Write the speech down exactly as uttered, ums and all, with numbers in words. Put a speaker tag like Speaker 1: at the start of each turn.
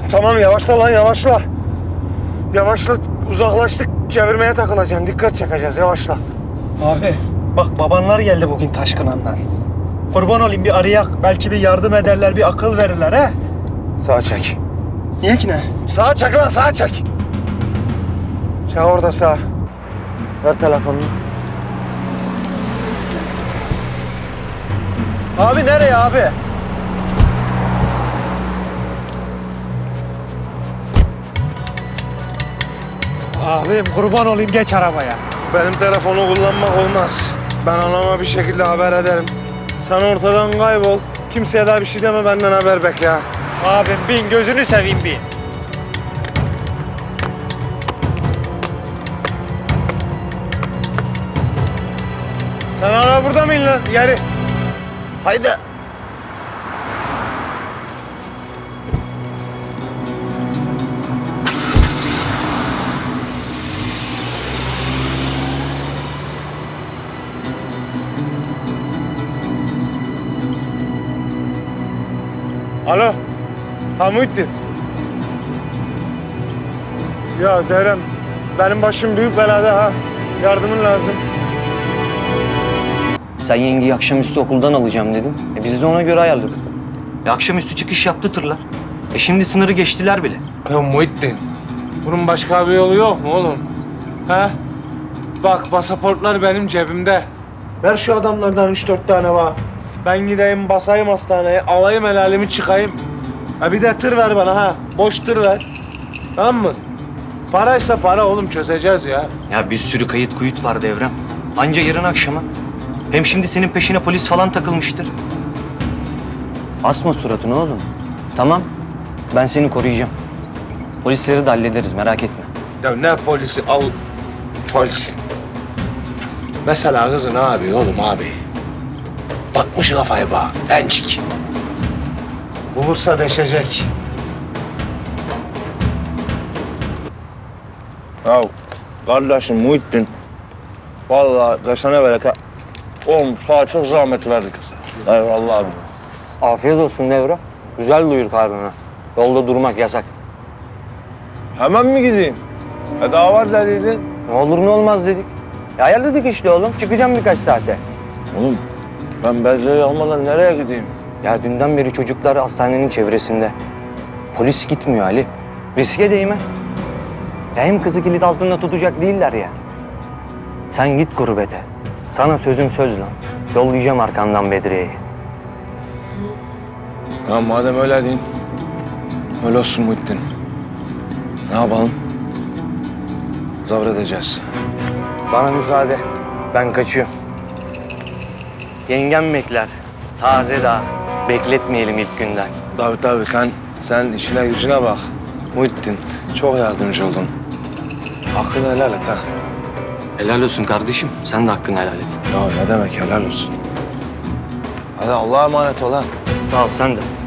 Speaker 1: Tamam yavaşla lan yavaşla. Yavaşla, uzaklaştık. Çevirmeye takılacaksın. Dikkat çekeceğiz, yavaşla.
Speaker 2: Abi bak babanlar geldi bugün taşkınanlar. Kurban olayım bir arayak. Belki bir yardım ederler, bir akıl verirler he.
Speaker 1: Sağa çek.
Speaker 2: Niye ki ne?
Speaker 1: Sağa çek lan, sağa çek. Çek orada sağa. Ver telefonunu.
Speaker 2: Abi nereye abi? Abim kurban olayım geç arabaya.
Speaker 1: Benim telefonu kullanmak olmaz. Ben anama bir şekilde haber ederim. Sen ortadan kaybol. Kimseye daha bir şey deme, benden haber bekle ha.
Speaker 2: Abim bin gözünü seveyim bin.
Speaker 1: Sen hala burada mıydın lan? Geri. Haydi. Alo. Ha Muhittin. Ya Derem, benim başım büyük belada ha. Yardımın lazım.
Speaker 3: Sen yengeyi akşamüstü okuldan alacağım dedin. E biz de ona göre ayarladık. E akşamüstü çıkış yaptı tırlar. E şimdi sınırı geçtiler bile.
Speaker 1: Ya Muhittin, bunun başka bir yolu yok mu oğlum? Ha? Bak, pasaportlar benim cebimde. Ver şu adamlardan üç dört tane var. Ben gideyim, basayım hastaneye, alayım helalimi, çıkayım. Ha bir de tır ver bana ha, boş tır ver. Tamam mı? Paraysa para oğlum, çözeceğiz ya.
Speaker 3: Ya bir sürü kayıt kuyut var Devrem. Anca yarın akşama. Hem şimdi senin peşine polis falan takılmıştır. Asma suratını oğlum. Tamam. Ben seni koruyacağım. Polisleri de hallederiz merak etme.
Speaker 1: Ya ne polisi, al polis. Mesela kızı ne yapıyor oğlum abi? Bakmış kafayı bak, bencik. Bulursa deşecek.
Speaker 4: Ya kardeşim Muhittin, vallahi kesene bereket. Oğlum sana çok zahmet verdik. Eyvallah abi.
Speaker 3: Afiyet olsun Devrem. Güzel duyur karnına. Yolda durmak yasak.
Speaker 4: Hemen mi gideyim? E daha var dediydin.
Speaker 3: Ne olur ne olmaz dedik. Ya ayarladık işte oğlum. Çıkacağım birkaç saate.
Speaker 4: Oğlum ben Bedre'yi almadan nereye gideyim?
Speaker 3: Ya dünden beri çocuklar hastanenin çevresinde. Polis gitmiyor Ali. Riske değmez. Ya hem kızı kilit altında tutacak değiller ya. Sen git gurbete. Sana sözüm söz lan. Yollayacağım arkandan Bedriye'yi.
Speaker 4: Ya madem öyle deyin, öyle olsun Muhittin. Ne yapalım? Zabredeceğiz.
Speaker 3: Bana müsaade. Ben kaçıyorum. Yengem bekler. Taze daha. Bekletmeyelim ilk günden.
Speaker 4: Tabii tabii sen, sen işine gücüne bak. Muhittin çok yardımcı oldun. Hakkını helal et ha.
Speaker 3: Helal olsun kardeşim. Sen de hakkını helal et.
Speaker 4: Ya ne demek helal olsun. Hadi Allah'a emanet ol ha.
Speaker 3: Sağ ol sen de.